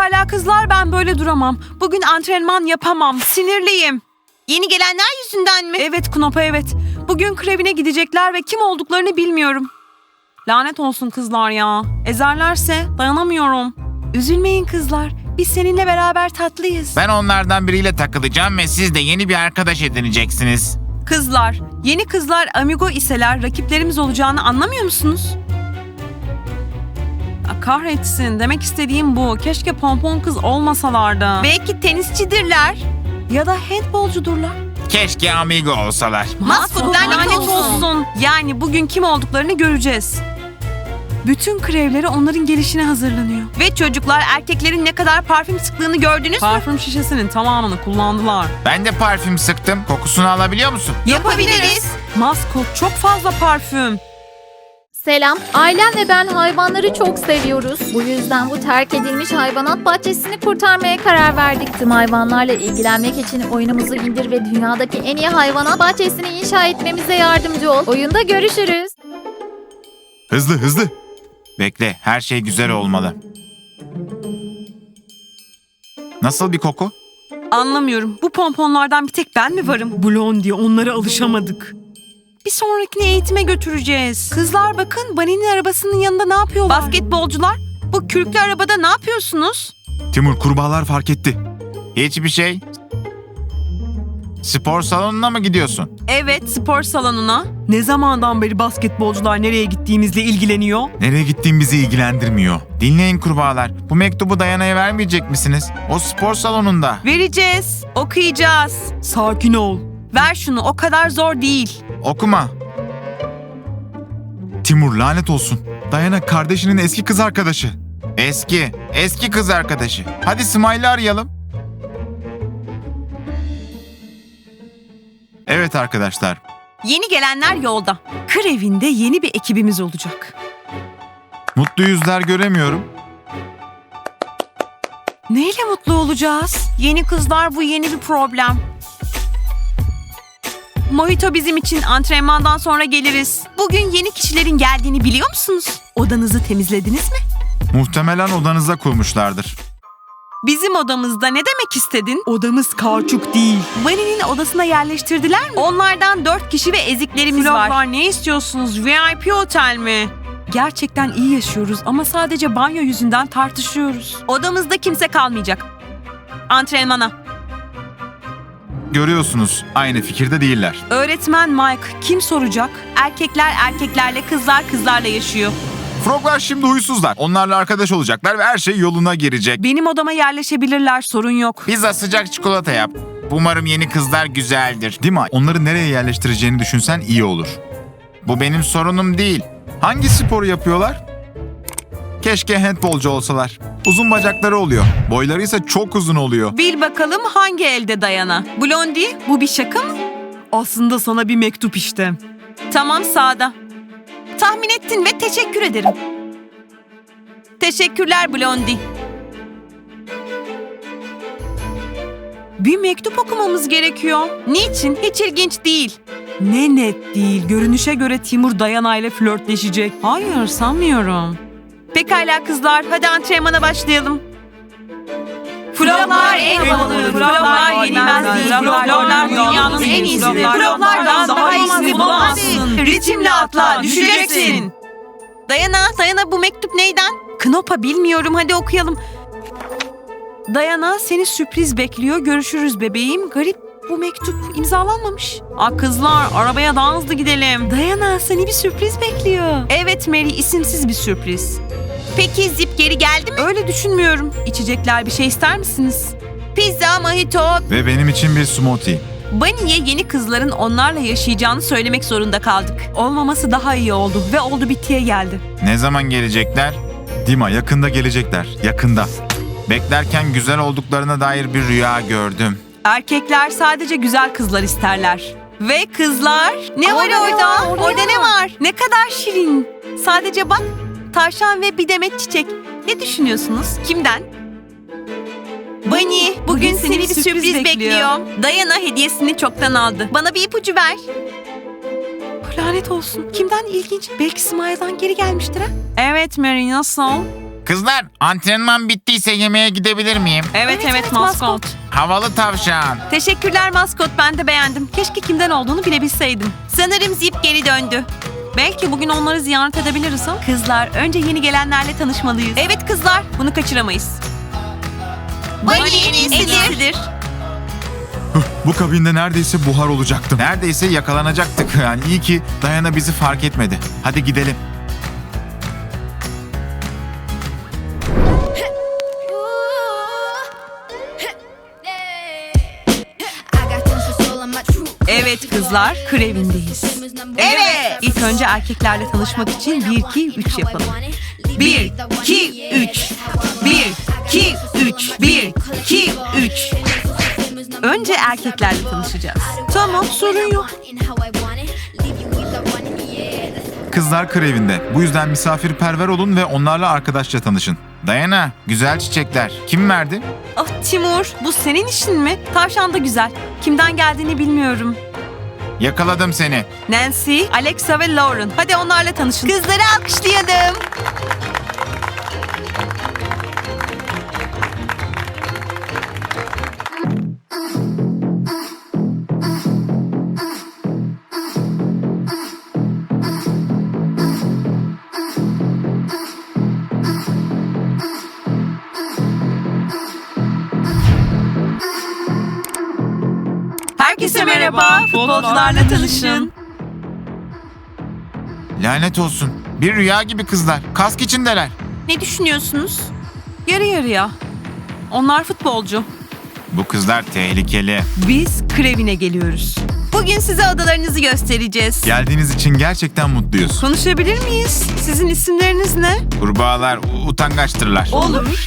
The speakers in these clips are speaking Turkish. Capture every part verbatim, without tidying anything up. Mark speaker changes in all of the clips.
Speaker 1: Pekala kızlar, ben böyle duramam. Bugün antrenman yapamam. Sinirliyim.
Speaker 2: Yeni gelenler yüzünden mi?
Speaker 1: Evet Knopa, evet. Bugün krevine gidecekler ve kim olduklarını bilmiyorum. Lanet olsun kızlar ya. Ezerlerse dayanamıyorum. Üzülmeyin kızlar. Biz seninle beraber tatlıyız.
Speaker 3: Ben onlardan biriyle takılacağım ve siz de yeni bir arkadaş edineceksiniz.
Speaker 1: Kızlar, yeni kızlar amigo iseler rakiplerimiz olacağını anlamıyor musunuz? Aa, kahretsin. Demek istediğim bu. Keşke pompon kız olmasalardı.
Speaker 2: Belki tenisçidirler.
Speaker 1: Ya da handbolcudurlar.
Speaker 3: Keşke amigo olsalar.
Speaker 2: Maskot lanet
Speaker 1: Lanet
Speaker 2: olsun.
Speaker 1: olsun. Yani bugün kim olduklarını göreceğiz. Bütün krevleri onların gelişine hazırlanıyor.
Speaker 2: Ve çocuklar erkeklerin ne kadar parfüm sıktığını gördünüz mü?
Speaker 1: Parfüm şişesinin tamamını kullandılar.
Speaker 3: Ben de parfüm sıktım. Kokusunu alabiliyor musun?
Speaker 2: Yapabiliriz.
Speaker 1: Maskot, çok fazla parfüm.
Speaker 4: Selam. Ailem ve ben hayvanları çok seviyoruz. Bu yüzden bu terk edilmiş hayvanat bahçesini kurtarmaya karar verdik. Tüm hayvanlarla ilgilenmek için oyunumuzu indir ve dünyadaki en iyi hayvanat bahçesini inşa etmemize yardımcı ol. Oyunda görüşürüz.
Speaker 3: Hızlı hızlı. Bekle, her şey güzel olmalı. Nasıl bir koku?
Speaker 1: Anlamıyorum. Bu pomponlardan bir tek ben mi varım? Blondie, onlara alışamadık. Bir sonrakini eğitime götüreceğiz. Kızlar bakın, Bunny'nin arabasının yanında ne yapıyorlar?
Speaker 2: Basketbolcular, bu kürklü arabada ne yapıyorsunuz?
Speaker 3: Timur, kurbağalar fark etti. Hiçbir şey. Spor salonuna mı gidiyorsun?
Speaker 1: Evet, spor salonuna. Ne zamandan beri basketbolcular nereye gittiğimizle ilgileniyor?
Speaker 3: Nereye gittiğin bizi ilgilendirmiyor. Dinleyin kurbağalar. Bu mektubu Dayana'ya vermeyecek misiniz? O spor salonunda.
Speaker 2: Vereceğiz, okuyacağız.
Speaker 1: Sakin ol.
Speaker 2: Ver şunu, o kadar zor değil.
Speaker 3: Okuma. Timur, lanet olsun. Dayana kardeşinin eski kız arkadaşı. Eski, eski kız arkadaşı. Hadi Smile'ı arayalım. Evet arkadaşlar.
Speaker 2: Yeni gelenler yolda.
Speaker 1: Krevinde yeni bir ekibimiz olacak.
Speaker 3: Mutlu yüzler göremiyorum.
Speaker 1: Neyle mutlu olacağız?
Speaker 2: Yeni kızlar, bu yeni bir problem. Mojito bizim için, antrenmandan sonra geliriz. Bugün yeni kişilerin geldiğini biliyor musunuz?
Speaker 1: Odanızı temizlediniz mi?
Speaker 3: Muhtemelen odanıza kurmuşlardır.
Speaker 2: Bizim odamızda ne demek istedin?
Speaker 1: Odamız kauçuk değil. Bunny'nin odasına yerleştirdiler mi?
Speaker 2: Onlardan dört kişi ve eziklerimiz var.
Speaker 1: Floplar, ne istiyorsunuz? V I P otel mi? Gerçekten iyi yaşıyoruz ama sadece banyo yüzünden tartışıyoruz.
Speaker 2: Odamızda kimse kalmayacak. Antrenmana.
Speaker 3: Görüyorsunuz, aynı fikirde değiller.
Speaker 1: Öğretmen Mike, kim soracak?
Speaker 2: Erkekler erkeklerle, kızlar kızlarla yaşıyor.
Speaker 3: Froglar şimdi huysuzlar. Onlarla arkadaş olacaklar ve her şey yoluna girecek.
Speaker 1: Benim odama yerleşebilirler, sorun yok.
Speaker 3: Pizza, sıcak çikolata yap. Umarım yeni kızlar güzeldir. Değil mi? Onları nereye yerleştireceğini düşünsen iyi olur. Bu benim sorunum değil. Hangi sporu yapıyorlar? Keşke handbolcu olsalar. Uzun bacakları oluyor. Boyları ise çok uzun oluyor.
Speaker 2: Bil bakalım hangi elde Dayana? Blondie, bu bir şaka mı?
Speaker 1: Aslında sana bir mektup işte.
Speaker 2: Tamam, sağda. Tahmin ettin ve teşekkür ederim. Teşekkürler Blondie.
Speaker 1: Bir mektup okumamız gerekiyor.
Speaker 2: Niçin? Hiç ilginç değil.
Speaker 1: Ne net değil. Görünüşe göre Timur Dayana ile flörtleşecek. Hayır, sanmıyorum.
Speaker 2: Pekala kızlar, hadi antrenmana başlayalım.
Speaker 1: Floplar
Speaker 2: en
Speaker 1: havalı,
Speaker 2: Floplar yenilmez değil. Floplar dünyanın en iyisidir. Floplardan daha iyisini bulamazsın. Ritimle atla, düşeceksin. Dayana, Dayana bu mektup neyden?
Speaker 1: Knopa, bilmiyorum, hadi okuyalım. Dayana, seni sürpriz bekliyor. Görüşürüz bebeğim. Garip, bu mektup imzalanmamış.
Speaker 2: Aa kızlar, arabaya daha hızlı gidelim.
Speaker 1: Dayana, seni bir sürpriz bekliyor.
Speaker 2: Evet Mary, isimsiz bir sürpriz. Peki Zip geri geldi mi?
Speaker 1: Öyle düşünmüyorum. İçecekler, bir şey ister misiniz?
Speaker 2: Pizza, mojito.
Speaker 3: Ve benim için bir smoothie.
Speaker 2: Bunny'e yeni kızların onlarla yaşayacağını söylemek zorunda kaldık.
Speaker 1: Olmaması daha iyi oldu ve oldu bittiye geldi.
Speaker 3: Ne zaman gelecekler? Dima, yakında gelecekler. Yakında. Beklerken güzel olduklarına dair bir rüya gördüm.
Speaker 1: Erkekler sadece güzel kızlar isterler.
Speaker 2: Ve kızlar, ne var
Speaker 1: Orada,
Speaker 2: orada?
Speaker 1: orada
Speaker 2: Orada
Speaker 1: ne
Speaker 2: ne var? Ne kadar şirin. Sadece bak, tavşan ve bir demet çiçek. Ne düşünüyorsunuz? Kimden? Bunny, bugün seni bir sürpriz bekliyor. Dayana hediyesini çoktan aldı. Bana bir ipucu ver.
Speaker 1: Lanet olsun. Kimden ilginç? Belki Smile'dan geri gelmiştir ha?
Speaker 2: Evet Mary, nasıl?
Speaker 3: Kızlar, antrenman bittiyse yemeğe gidebilir miyim?
Speaker 1: Evet evet, maskot.
Speaker 3: Havalı tavşan.
Speaker 1: Teşekkürler maskot, ben de beğendim. Keşke kimden olduğunu bilebilseydim.
Speaker 2: Sanırım Zip geri döndü.
Speaker 1: Belki bugün onları ziyaret edebiliriz ha? Kızlar, önce yeni gelenlerle tanışmalıyız.
Speaker 2: Evet kızlar.
Speaker 1: Bunu kaçıramayız.
Speaker 2: Bunny en iyisidir.
Speaker 3: Bu kabinde neredeyse buhar olacaktım. Neredeyse yakalanacaktık. Yani iyi ki Dayana bizi fark etmedi. Hadi gidelim.
Speaker 1: Evet kızlar, krevindeyiz.
Speaker 2: Evet.
Speaker 1: İlk önce erkeklerle tanışmak için bir iki üç yapalım.
Speaker 2: Bir, iki, üç. Bir, iki, üç. Bir, iki, üç.
Speaker 1: Önce erkeklerle tanışacağız. Tamam, sorun yok.
Speaker 3: Kızlar krevinde. Bu yüzden misafirperver olun ve onlarla arkadaşça tanışın. Dayana, güzel çiçekler. Kim verdi?
Speaker 1: Ah Timur, bu senin işin mi? Tavşan da güzel. Kimden geldiğini bilmiyorum.
Speaker 3: Yakaladım seni.
Speaker 1: Nancy, Alexa ve Lauren. Hadi onlarla tanışın.
Speaker 2: Kızları alkışlayalım.
Speaker 1: Herkese merhaba. Futbolcularla tanışın.
Speaker 3: Lanet olsun. Bir rüya gibi kızlar. Kask içindeler.
Speaker 1: Ne düşünüyorsunuz? Yarı yarıya. Onlar futbolcu.
Speaker 3: Bu kızlar tehlikeli.
Speaker 1: Biz krevine geliyoruz.
Speaker 2: Bugün size odalarınızı göstereceğiz.
Speaker 3: Geldiğiniz için gerçekten mutluyuz.
Speaker 1: Konuşabilir miyiz? Sizin isimleriniz ne?
Speaker 3: Kurbağalar u- utangaçtırlar.
Speaker 1: Olur.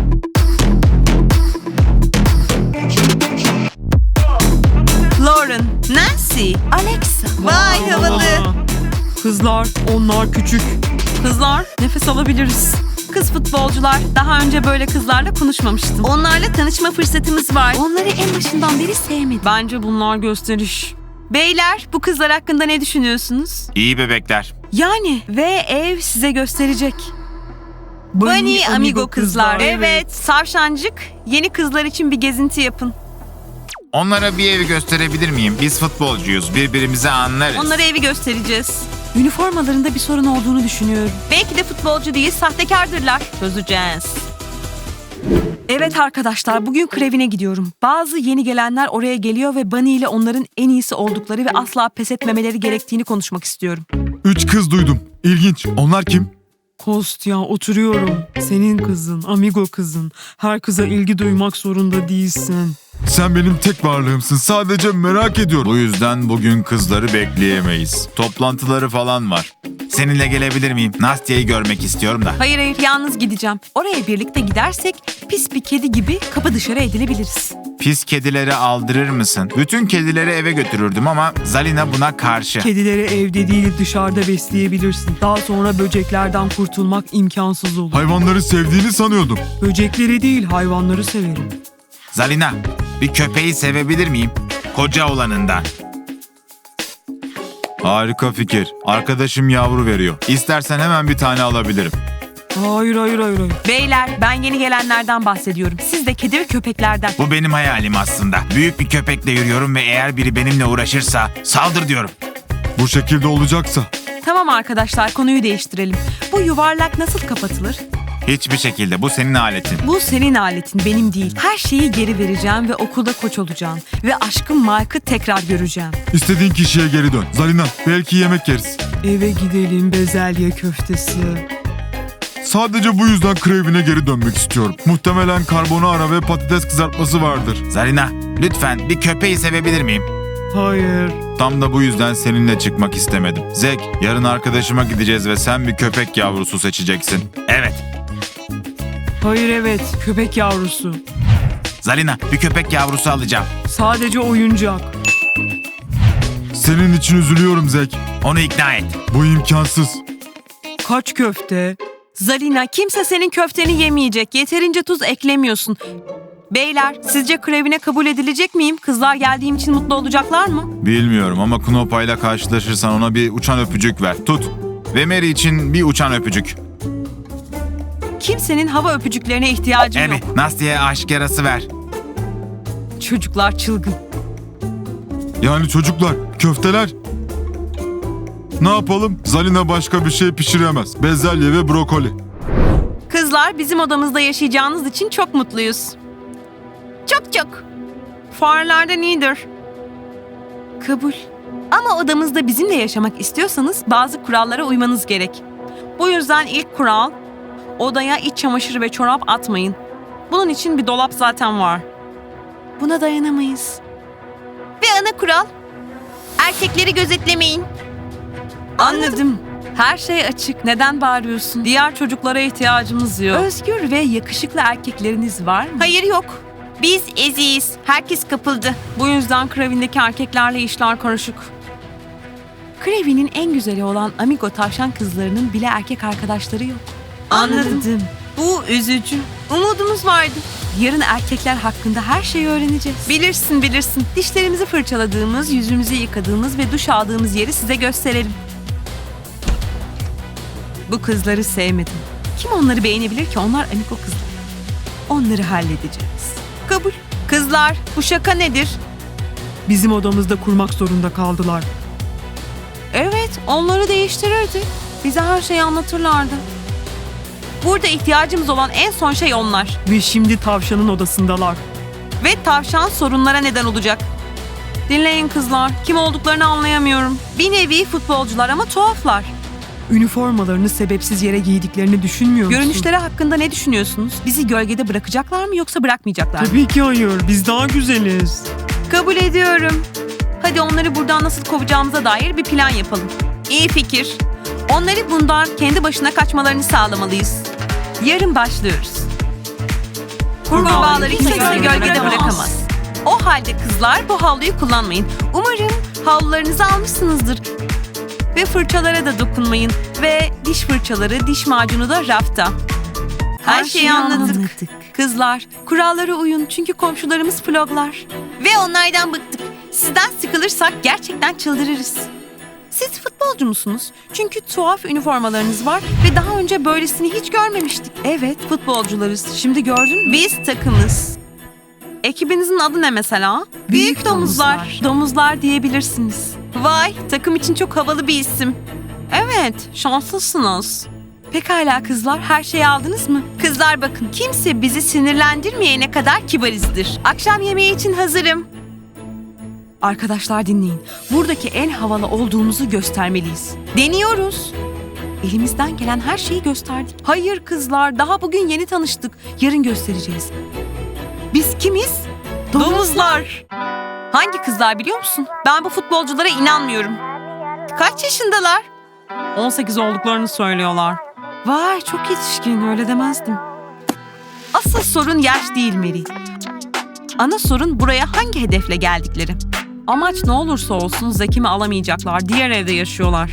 Speaker 1: Lauren,
Speaker 2: Nancy.
Speaker 1: Alexa.
Speaker 2: Vay havalı.
Speaker 1: Kızlar, onlar küçük. Kızlar, nefes alabiliriz. Kız futbolcular, daha önce böyle kızlarla konuşmamıştım.
Speaker 2: Onlarla tanışma fırsatımız var.
Speaker 1: Onları en başından beri sevmedim. Bence bunlar gösteriş. Beyler, bu kızlar hakkında ne düşünüyorsunuz?
Speaker 3: İyi bebekler.
Speaker 1: Yani ve ev size gösterecek.
Speaker 2: Bunny amigo kızlar, evet.
Speaker 1: Savşancık, yeni kızlar için bir gezinti yapın.
Speaker 3: Onlara bir evi gösterebilir miyim? Biz futbolcuyuz. Birbirimizi anlarız.
Speaker 1: Onlara evi göstereceğiz. Üniformalarında bir sorun olduğunu düşünüyorum.
Speaker 2: Belki de futbolcu değil, sahtekardırlar. Çözeceğiz.
Speaker 1: Evet arkadaşlar, bugün krevine gidiyorum. Bazı yeni gelenler oraya geliyor ve Bunny ile onların en iyisi oldukları ve asla pes etmemeleri gerektiğini konuşmak istiyorum.
Speaker 3: Üç kız duydum. İlginç. Onlar kim?
Speaker 5: Kostya, oturuyorum. Senin kızın, amigo kızın. Her kıza ilgi duymak zorunda değilsin.
Speaker 3: Sen benim tek varlığımsın. Sadece merak ediyorum. Bu yüzden bugün kızları bekleyemeyiz. Toplantıları falan var. Seninle gelebilir miyim? Nastya'yı görmek istiyorum da.
Speaker 1: Hayır hayır, yalnız gideceğim. Oraya birlikte gidersek pis bir kedi gibi kapı dışarı edilebiliriz.
Speaker 3: Pis kedileri aldırır mısın? Bütün kedileri eve götürürdüm ama Zalina buna karşı.
Speaker 5: Kedileri evde değil dışarıda besleyebilirsin. Daha sonra böceklerden kurtulmak imkansız olur.
Speaker 3: Hayvanları sevdiğini sanıyordum.
Speaker 5: Böcekleri değil hayvanları severim.
Speaker 3: Zalina, bir köpeği sevebilir miyim? Koca olanından. Harika fikir. Arkadaşım yavru veriyor. İstersen hemen bir tane alabilirim.
Speaker 5: Hayır hayır hayır hayır.
Speaker 1: Beyler, ben yeni gelenlerden bahsediyorum. Siz de kedi ve köpeklerden.
Speaker 3: Bu benim hayalim aslında. Büyük bir köpekle yürüyorum ve eğer biri benimle uğraşırsa saldır diyorum. Bu şekilde olacaksa?
Speaker 1: Tamam arkadaşlar, konuyu değiştirelim. Bu yuvarlak nasıl kapatılır?
Speaker 3: Hiçbir şekilde. Bu senin aletin.
Speaker 1: Bu senin aletin, benim değil. Her şeyi geri vereceğim ve okulda koç olacağım. Ve aşkım Mike'ı tekrar göreceğim.
Speaker 3: İstediğin kişiye geri dön. Zalina, belki yemek yeriz.
Speaker 5: Eve gidelim bezelye köftesi.
Speaker 3: Sadece bu yüzden krevine geri dönmek istiyorum. Muhtemelen karbonara ve patates kızartması vardır. Zalina, lütfen bir köpeği sevebilir miyim?
Speaker 5: Hayır.
Speaker 3: Tam da bu yüzden seninle çıkmak istemedim. Zek, yarın arkadaşıma gideceğiz ve sen bir köpek yavrusu seçeceksin. Evet.
Speaker 5: Hayır evet köpek yavrusu.
Speaker 3: Zalina, bir köpek yavrusu alacağım.
Speaker 5: Sadece oyuncak.
Speaker 3: Senin için üzülüyorum Zek. Onu ikna et. Bu imkansız.
Speaker 5: Kaç köfte?
Speaker 1: Zalina, kimse senin köfteni yemeyecek. Yeterince tuz eklemiyorsun. Beyler, sizce krevine kabul edilecek miyim? Kızlar geldiğim için mutlu olacaklar mı?
Speaker 3: Bilmiyorum ama Knopa ile karşılaşırsan ona bir uçan öpücük ver. Tut. Ve Mary için bir uçan öpücük.
Speaker 1: Kimsenin hava öpücüklerine ihtiyacı
Speaker 3: Emi,
Speaker 1: yok.
Speaker 3: Nastya'ya aşk yarası ver.
Speaker 1: Çocuklar çılgın.
Speaker 6: Yani çocuklar, köfteler. Ne yapalım? Zalina başka bir şey pişiremez. Bezelye ve brokoli.
Speaker 1: Kızlar, bizim odamızda yaşayacağınız için çok mutluyuz. Çok çok. Farelerden iyidir. Kabul. Ama odamızda bizimle yaşamak istiyorsanız bazı kurallara uymanız gerek. Bu yüzden ilk kural, odaya iç çamaşırı ve çorap atmayın. Bunun için bir dolap zaten var. Buna dayanamayız.
Speaker 2: Ve ana kural, erkekleri gözetlemeyin.
Speaker 1: Anladım. Her şey açık. Neden bağırıyorsun? Diğer çocuklara ihtiyacımız yok. Özgür ve yakışıklı erkekleriniz var mı?
Speaker 2: Hayır yok. Biz eziyiz. Herkes kapıldı.
Speaker 1: Bu yüzden Kravin'deki erkeklerle işler karışık. Kravin'in en güzeli olan Amigo tavşan kızlarının bile erkek arkadaşları yok.
Speaker 2: Anladım.
Speaker 1: Bu üzücü. Umudumuz vardı. Yarın erkekler hakkında her şeyi öğreneceğiz. Bilirsin bilirsin. Dişlerimizi fırçaladığımız, yüzümüzü yıkadığımız ve duş aldığımız yeri size gösterelim. Bu kızları sevmedim. Kim onları beğenebilir ki? Onlar Amigo kızlar. Onları halledeceğiz. Kabul. Kızlar, bu şaka nedir?
Speaker 5: Bizim odamızda kurmak zorunda kaldılar.
Speaker 1: Evet, onları değiştirirdi. Bize her şeyi anlatırlardı. Burada ihtiyacımız olan en son şey onlar.
Speaker 5: Ve şimdi tavşanın odasındalar.
Speaker 1: Ve tavşan sorunlara neden olacak. Dinleyin kızlar, kim olduklarını anlayamıyorum. Bir nevi futbolcular ama tuhaflar.
Speaker 5: Üniformalarını sebepsiz yere giydiklerini düşünmüyor musun?
Speaker 1: Görünüşleri hakkında ne düşünüyorsunuz? Bizi gölgede bırakacaklar mı yoksa bırakmayacaklar mı?
Speaker 5: Tabii ki hayır. Biz daha güzeliz.
Speaker 1: Kabul ediyorum. Hadi onları buradan nasıl kovacağımıza dair bir plan yapalım. İyi fikir. Onları bundan kendi başına kaçmalarını sağlamalıyız. Yarın başlıyoruz. Kurbağaları kimse gölgede bırakamaz. O halde kızlar bu havluyu kullanmayın. Umarım havlularınızı almışsınızdır. Ve fırçalara da dokunmayın. Ve diş fırçaları, diş macunu da rafta. Her, şeyi anladık. Kızlar, kurallara uyun çünkü komşularımız floglar.
Speaker 2: Ve onlardan bıktık.
Speaker 1: Sizden sıkılırsak gerçekten çıldırırız. Siz futbolcu musunuz? Çünkü tuhaf üniformalarınız var ve daha önce böylesini hiç görmemiştik. Evet, futbolcularız. Şimdi gördün mü? Biz takımız. Ekibinizin adı ne mesela?
Speaker 2: Büyük Domuzlar.
Speaker 1: Domuzlar diyebilirsiniz. Vay, takım için çok havalı bir isim. Evet, şanslısınız. Pekala kızlar, her şeyi aldınız mı? Kızlar bakın, kimse bizi sinirlendirmeyene kadar kibarizdir. Akşam yemeği için hazırım. Arkadaşlar dinleyin. Buradaki en havalı olduğumuzu göstermeliyiz. Deniyoruz. Elimizden gelen her şeyi gösterdik. Hayır kızlar, daha bugün yeni tanıştık. Yarın göstereceğiz. Biz kimiz? Domuzlar. Hangi kızlar biliyor musun? Ben bu futbolculara inanmıyorum. Kaç yaşındalar? on sekiz olduklarını söylüyorlar. Vay çok yetişkin, öyle demezdim. Asıl sorun yaş değil Mary. Ana sorun buraya hangi hedefle geldikleri. Amaç ne olursa olsun Zekim'i alamayacaklar. Diğer evde yaşıyorlar.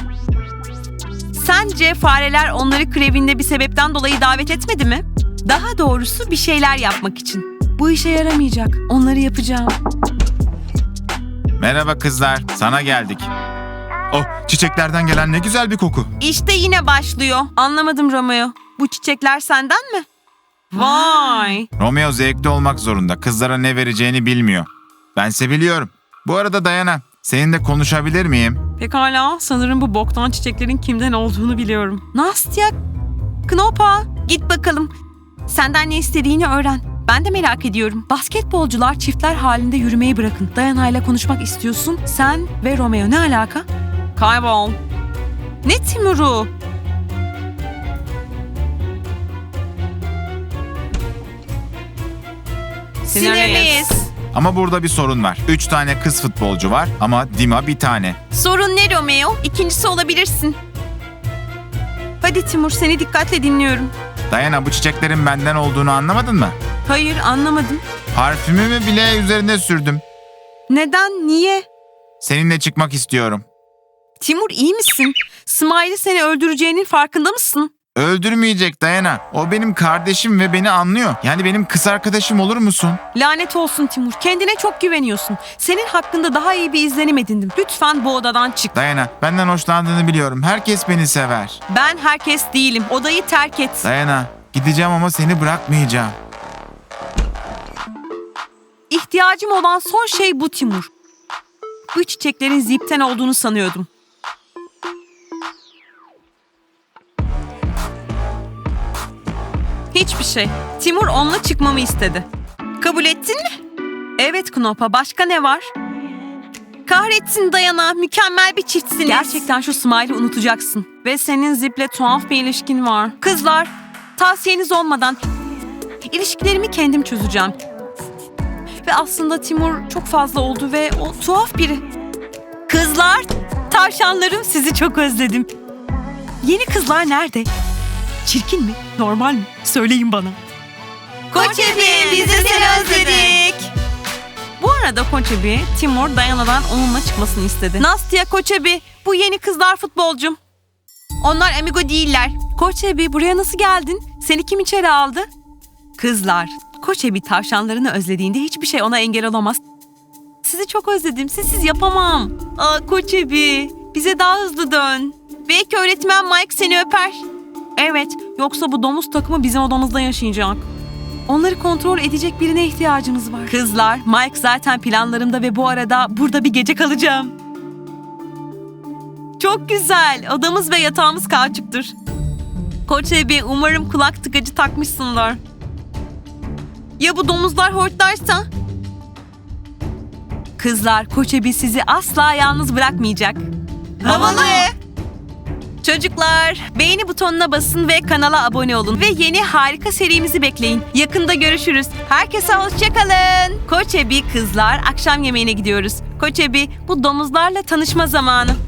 Speaker 1: Sence fareler onları Kravin'de bir sebepten dolayı davet etmedi mi? Daha doğrusu bir şeyler yapmak için. Bu işe yaramayacak. Onları yapacağım.
Speaker 3: Merhaba kızlar, sana geldik.
Speaker 6: Oh, çiçeklerden gelen ne güzel bir koku.
Speaker 1: İşte yine başlıyor. Anlamadım Romeo. Bu çiçekler senden mi? Vay.
Speaker 3: Romeo zevkli olmak zorunda. Kızlara ne vereceğini bilmiyor. Bense biliyorum. Bu arada Dayana, seninle konuşabilir miyim?
Speaker 1: Pekala. Sanırım bu boktan çiçeklerin kimden olduğunu biliyorum. Nastya, Knopa. Git bakalım. Senden ne istediğini öğren. Ben de merak ediyorum. Basketbolcular çiftler halinde yürümeyi bırakın. Dayana'yla konuşmak istiyorsun. Sen ve Romeo ne alaka? Kaybol. Ne Timur'u? Sinirliyiz.
Speaker 3: Ama burada bir sorun var. Üç tane kız futbolcu var ama Dima bir tane.
Speaker 2: Sorun ne Romeo? İkincisi olabilirsin.
Speaker 1: Hadi Timur, seni dikkatle dinliyorum.
Speaker 3: Dayana, bu çiçeklerin benden olduğunu anlamadın mı?
Speaker 1: Hayır, anlamadım.
Speaker 3: Parfümümü bile üzerine sürdüm.
Speaker 1: Neden? Niye?
Speaker 3: Seninle çıkmak istiyorum.
Speaker 1: Timur iyi misin? Smiley seni öldüreceğinin farkında mısın?
Speaker 3: Öldürmeyecek Dayana. O benim kardeşim ve beni anlıyor. Yani benim kız arkadaşım olur musun?
Speaker 1: Lanet olsun Timur. Kendine çok güveniyorsun. Senin hakkında daha iyi bir izlenim edindim. Lütfen bu odadan çık.
Speaker 3: Dayana, benden hoşlandığını biliyorum. Herkes beni sever.
Speaker 1: Ben herkes değilim. Odayı terk et.
Speaker 3: Dayana, gideceğim ama seni bırakmayacağım.
Speaker 1: İhtiyacım olan son şey bu Timur. Bu çiçeklerin zipten olduğunu sanıyordum. Hiçbir şey. Timur onunla çıkmamı istedi.
Speaker 2: Kabul ettin mi?
Speaker 1: Evet Knopa, başka ne var?
Speaker 2: Kahretsin Dayana, mükemmel bir çiftsiniz.
Speaker 1: Gerçekten şu Smile'ı unutacaksın. Ve senin Zip'le tuhaf bir ilişkin var. Kızlar, tavsiyeniz olmadan ilişkilerimi kendim çözeceğim. Ve aslında Timur çok fazla oldu ve o tuhaf biri. Kızlar, tavşanlarım, sizi çok özledim. Yeni kızlar nerede? Çirkin mi? Normal mi? Söyleyin bana.
Speaker 2: Koçebi, biz de seni özledik.
Speaker 1: Bu arada Koçebi, Timur Dayana'dan onunla çıkmasını istedi. Nastya, Koçebi, bu yeni kızlar futbolcum.
Speaker 2: Onlar amigo değiller.
Speaker 1: Koçebi, buraya nasıl geldin? Seni kim içeri aldı? Kızlar, Koçebi tavşanlarını özlediğinde hiçbir şey ona engel olamaz. Sizi çok özledim, sizsiz yapamam. Aa Koçebi, bize daha hızlı dön.
Speaker 2: Belki öğretmen Mike seni öper.
Speaker 1: Evet, yoksa bu domuz takımı bizim odamızda yaşayacak. Onları kontrol edecek birine ihtiyacımız var. Kızlar, Mike zaten planlarımda ve bu arada burada bir gece kalacağım. Çok güzel. Odamız ve yatağımız kauçuktur. Koçebi, umarım kulak tıkacı takmışsındır.
Speaker 2: Ya bu domuzlar hortlarsa?
Speaker 1: Kızlar, Koçebi sizi asla yalnız bırakmayacak.
Speaker 2: Havalı.
Speaker 1: Çocuklar, beğeni butonuna basın ve kanala abone olun. Ve yeni harika serimizi bekleyin. Yakında görüşürüz. Herkese hoşçakalın. Koçebi kızlar, akşam yemeğine gidiyoruz. Koçebi, bu domuzlarla tanışma zamanı.